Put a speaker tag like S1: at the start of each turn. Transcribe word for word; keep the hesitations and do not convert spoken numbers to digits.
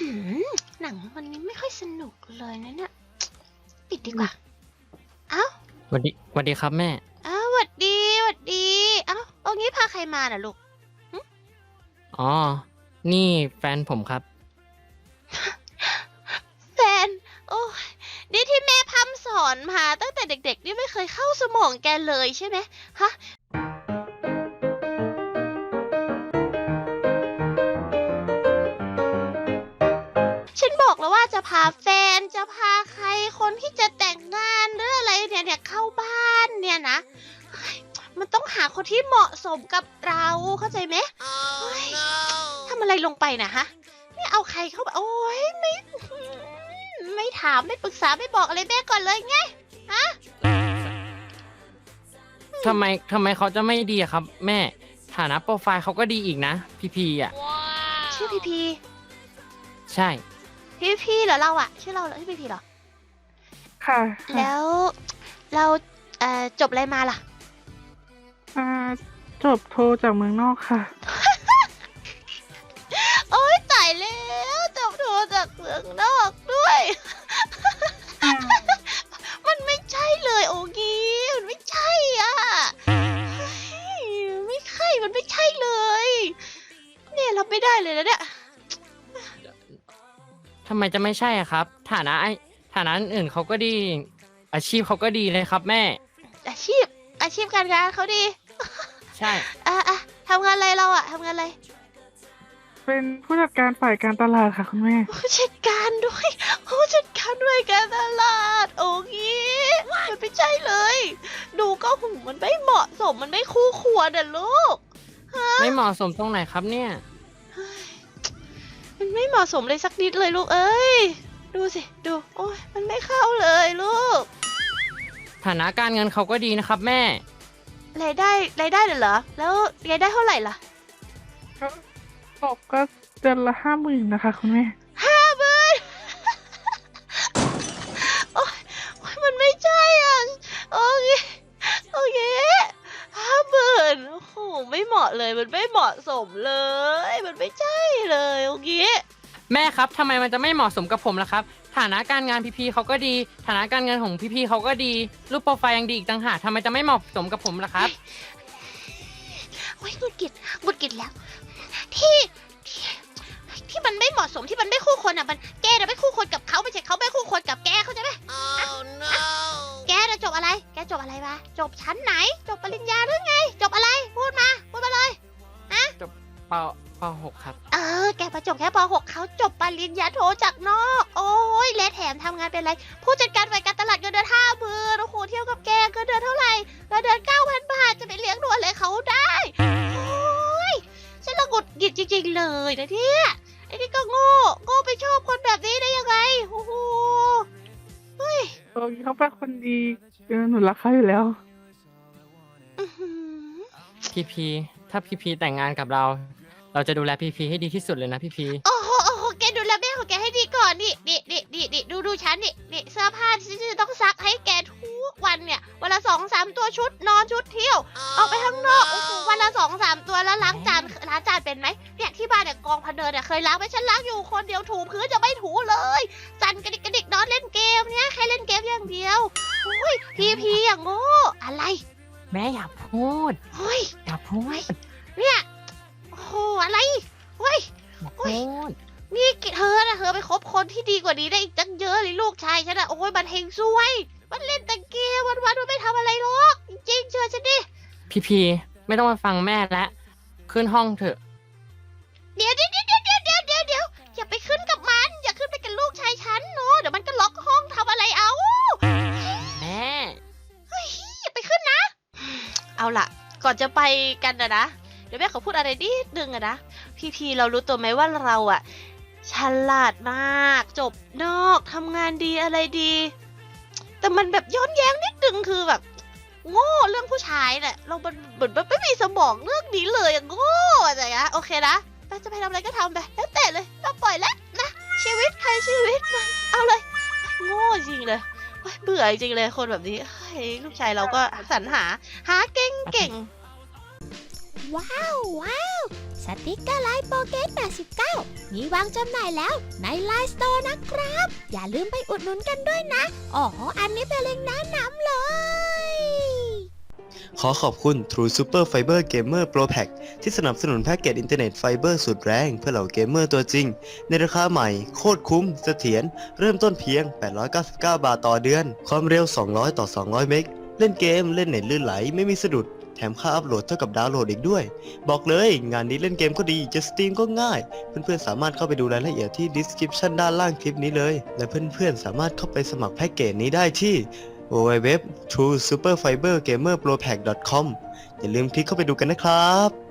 S1: หนังวันนี้ไม่ค่อยสนุกเลยนะเนี่ยปิดดีกว่าเอ้า
S2: สวัสดีสวัสดีครับแม่
S1: อ้าวหวัดดีหวัดดีเอ้าเอางี้พาใครมาน่ะลูก
S2: อ๋อนี่แฟนผมครับ
S1: แฟนโอ้ยนี่ที่แม่พร่ำสอนมาตั้งแต่เด็กๆนี่ไม่เคยเข้าสมองแกเลยใช่ไหมฮะฉันบอกแล้วว่าจะพาแฟนจะพาใครคนที่จะแต่งงานหรืออะไรเนี่ยเนี่ยเข้าบ้านเนี่ยนะมันต้องหาคนที่เหมาะสมกับเราเข้าใจไหม oh, no. ทำอะไรลงไปนะฮะนี่เอาใครเข้าไปโอ้ยไม่ไม่ถามไม่ปรึกษาไม่บอกอะไรแม่ก่อนเลยไงฮะ
S2: ทำไมทำไมเขาจะไม่ดีอะครับแม่ฐานะโปรไฟล์เขาก็ดีอีกนะพีพีอ่ะ wow.
S1: ชื่อพีพี
S2: ใช่
S1: พีพีเหรอเราอะชื่อเราเหรอชื่อพีพีเหรอ
S3: ค่ะ
S1: แล้วเราเอ่อจบอะไรมาล่ะ
S3: อ่าจบโทจากเมืองนอกค่ะ
S1: โอ๊ยตายแล้วจบโทจากเมืองนอกด้วยมันไม่ใช่เลยโอกีมันไม่ใช่อ่ะไม่ใช่มันไม่ใช่เลยเนี่ยรับไม่ได้เลยนะเนี่ย
S2: ทำไมจะไม่ใช่อะครับฐานะไอฐานะอื่นเขาก็ดีอาชีพเขาก็ดีเลยครับแม่
S1: อาชีพอาชีพการงานเขาดี
S2: ใช่
S1: อ่ะอ่ะทำงานอะไรเราอะทำงานอะไร
S3: เป็นผู้จัดการฝ่ายการตลาดค่ะคุณแม่
S1: ผู้จัดการด้วยผู้จัดการด้วยการตลาดโอ้ยมันไม่ใช่เลยดูก็หูมันไม่เหมาะสมมันไม่คู่ควรอ่ะลูก
S2: ไม่เหมาะสมตรงไหนครับเนี่ย
S1: มันไม่เหมาะสมเลยสักนิดเลยลูกเอ้ยดูสิดูโอ้ยมันไม่เข้าเลยลูก
S2: ฐานะการเงินเขาก็ดีนะครับแม่
S1: รายได้รายได้เหรอแล้วรายได้เท่าไหร่ล่ะ
S3: ก็ตกก็เดือนละห้าหมื่นนะคะคุณแม่
S1: ห้าหมื่นโอ้ยมันไม่ใช่อ่ะโอเคโอเคห้าหมื่นโอ้โหไม่เหมาะเลยมันไม่เหมาะสมเลยมันไม่ใช่เลยโอเค
S2: แม่ครับทำไมมันจะไม่เหมาะสมกับผมล่ะครับฐานะการงานพี่ๆเขาก็ดีฐานะการเงินของพี่ๆเขาก็ดีรูปโปรไฟล์ยังดีอีกต่างหากทำไมจะไม่เหมาะสมกับผมล่ะครับ
S1: โอ้ยหงุดหงิดหงุดหงิดแล้วที่ที่มันไม่เหมาะสมที่มันไม่คู่ควรอ่ะมันแกน่ะไม่คู่ควรกับเขาไม่ใช่เขาไม่คู่ควรกับแกเข้าใจไหม oh, no. แกน่ะจบอะไรแกจบอะไรมาจบชั้นไหนจบปริญญาหรือไงจบอะไรพูดมาพูดมาเลยฮะ
S2: จบปปหกครับ
S1: เออแกประจบแค่ปหกเขาจบปริญญาโทจากนอกโอ้ยและแถมทำงานเป็นอะไรผู้จัดการฝ่ายการตลาดเงินเดือนห้าหมื่นโอ้โหเที่ยวกับแกเงินเดือนเท่าไหร่เงินเดือนเก้าพันบาทจะไปเลี้ยงดูอะไรเขาได้โอ้ยฉันละหงุดหงิดจริงๆเลยนะเนี่ยไอ้นี่ก็โง่โง่ไปชอบคนแบบนี้ได้ยังไงโอ้โหเฮ้ย
S3: โอ้ยเขาเป็นคนดีเออหนูรักเขาอยู่แล้ว
S2: พี่พีถ้าพี่พีแต่งงานกับเราเราจะดูแลพี่พีให้ดีที่สุดเลยนะพี่พี
S1: โอ้โหโอ้โหแกดูแลแม่ของแกให้ดีก่อนนี่นี่นี่นี่นี่ดูดูฉันนี่นี่เสื้อผ้าที่จะต้องซักให้แกทุกวันเนี่ยวันละสองสามตัวชุดนอนชุดเที่ยวออกไปข้างนอกโอ้โหวันละสองสามตัวแล้วล้างจานล้างจานเป็นไหมเนี่ยที่บ้านเนี่ยกองพันเดินเนี่ยเคยล้างไหมฉันล้างอยู่คนเดียวถูพื้นจะไม่ถูเลยสั่นกระดิกกระดิกนอนเล่นเกมเนี่ยแค่เล่นเกมอย่างเดียวโอ้ยพีพีอย่างโง่อะไร
S2: แม่อยากพูด
S1: เฮ้ย
S2: อยากพูด
S1: เนี่ยโอ้โหอะไรเฮ้ยโอ้ยนี่เธอนะเธอไปคบคนที่ดีกว่านี้ได้อีกตั้งเยอะเลยลูกชายฉันอะโอ้ยมันเฮงซวยมันเล่นแต่เกมวันวันมันไม่ทำอะไรหรอกจริงๆเชื่อฉันดิ
S2: พี่พีไม่ต้องมาฟังแม่แล้วขึ้นห้องเถอะ
S1: เดี๋ยวเดี๋ยวเดี๋ยวเดี๋ยวเดี๋ยวเดี๋ยวเดี๋ยวอย่าไปขึ้นกับมันอย่าขึ้นไปกับลูกชายฉันเนาะเดี๋ยวมันก็ล็อกห้องทำอะไรเอา
S2: แม่
S1: เฮ้ยอย่าไปขึ้นนะเอาล่ะก่อนจะไปกันนะนะเดี๋ยวแม่ขอพูดอะไรนิดนึงอะนะพี่พีเรารู้ตัวไหมว่าเราอะฉลาดมากจบนอกทำงานดีอะไรดีแต่มันแบบย้อนแย้งนิดนึงคือแบบโง่เรื่องผู้ชายแหละเราเหมือนไม่มีสมองเรื่องนี้เลยอะโง่อะไรอะโอเคนะเราจะไปทำอะไรก็ทำไปแล้วแต่เลยเราปล่อยแล้วนะชีวิตใครชีวิตมันเอาเลยโง่จริงเลยเบื่อจริงเลยคนแบบนี้ลูกชายเราก็สรรหาหาเก่งเก่งว้าวว้าวส
S4: ติกเกอร์ไลน์โปเกตแปดสิบเก้ามีวางจำหน่ายแล้วในไลน์สโตร์นะครับ อย่าลืมไปอุดหนุนกันด้วยนะอ๋ออันนี้เป็นเล็งก์แนะนำเลย
S5: ขอขอบคุณ True Super Fiber Gamer Pro Pack ที่สนับสนุนแพ็กเกจอินเทอร์เน็ตไฟเบอร์สุดแรงเพื่อเหล่าเกมเมอร์ตัวจริง ในราคาใหม่โคตรคุ้มเสถียรเริ่มต้นเพียง แปดร้อยเก้าสิบเก้า บาทต่อเดือน ความเร็ว สองร้อย ต่อ สองร้อย เมกะเล่นเกมเล่นเน็ตลื่นไหลไม่มีสะดุด แถมค่าอัพโหลดเท่ากับดาวน์โหลดอีกด้วย บอกเลยงานนี้เล่นเกมก็ดีจะสตรีมก็ง่าย เพื่อนๆสามารถเข้าไปดูรายละเอียดที่ description ด้านล่างคลิปนี้เลย และเพื่อนๆสามารถเข้าไปสมัครแพ็กเกจนี้ได้ที่ ดับเบิลยู ดับเบิลยู ดับเบิลยู ดอท ทรู ซูเปอร์ ไฟเบอร์ เกมเมอร์ โปร แพ็ก ดอท คอม อย่าลืมคลิกเข้าไปดูกันนะครับ